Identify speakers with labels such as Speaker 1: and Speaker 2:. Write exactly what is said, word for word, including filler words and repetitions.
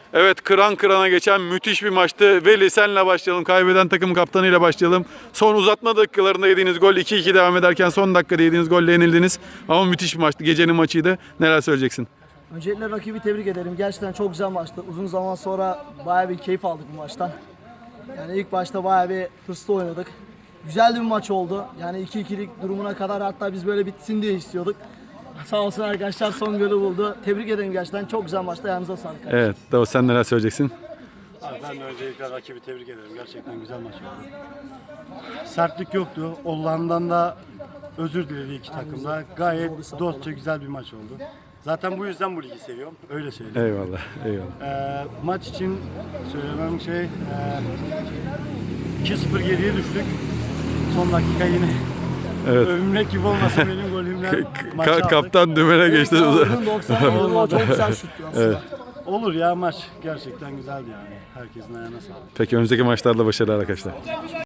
Speaker 1: Evet, kıran kırana geçen müthiş bir maçtı. Veli, senle başlayalım. Kaybeden takım kaptanıyla başlayalım. Son uzatma dakikalarında yediğiniz gol, iki iki devam ederken son dakikada yediğiniz golle yenildiniz. Ama müthiş bir maçtı. Gecenin maçıydı. Neler söyleyeceksin?
Speaker 2: Öncelikle rakibi tebrik ederim. Gerçekten çok güzel maçtı. Uzun zaman sonra bayağı bir keyif aldık bu maçtan. Yani ilk başta bayağı bir hırslı oynadık. Güzel bir maç oldu. Yani iki ikilik durumuna kadar hatta biz böyle bitsin diye istiyorduk. Sağ olsun arkadaşlar son golü buldu. Tebrik ederim gerçekten. Çok güzel maçtı. Ayağınıza sağlık.
Speaker 1: Evet, Davut, sen neler söyleyeceksin?
Speaker 3: Abi ben de öncelikle rakibi tebrik ederim. Gerçekten güzel maç oldu. Sertlik yoktu. Hollanda'dan da özür diledi iki takımda. Gayet dostça güzel bir maç oldu. Zaten bu yüzden bu ligi seviyorum. Öyle söyleyeyim.
Speaker 1: Eyvallah, eyvallah.
Speaker 3: Ee, maç için söylemem şey e, iki sıfır geriye düştük. Son dakika yine
Speaker 1: Evet.
Speaker 3: övünmek gibi olmasa benim golümle maçı
Speaker 1: Ka-
Speaker 3: aldık.
Speaker 1: kaptan dümene geçti.
Speaker 2: Oyunun doksan yılında çok güzel şuttu aslında.
Speaker 1: Evet.
Speaker 3: Olur ya, maç gerçekten güzeldi yani. Herkesin ayağına sağlık.
Speaker 1: Peki önümüzdeki maçlarda başarılar arkadaşlar.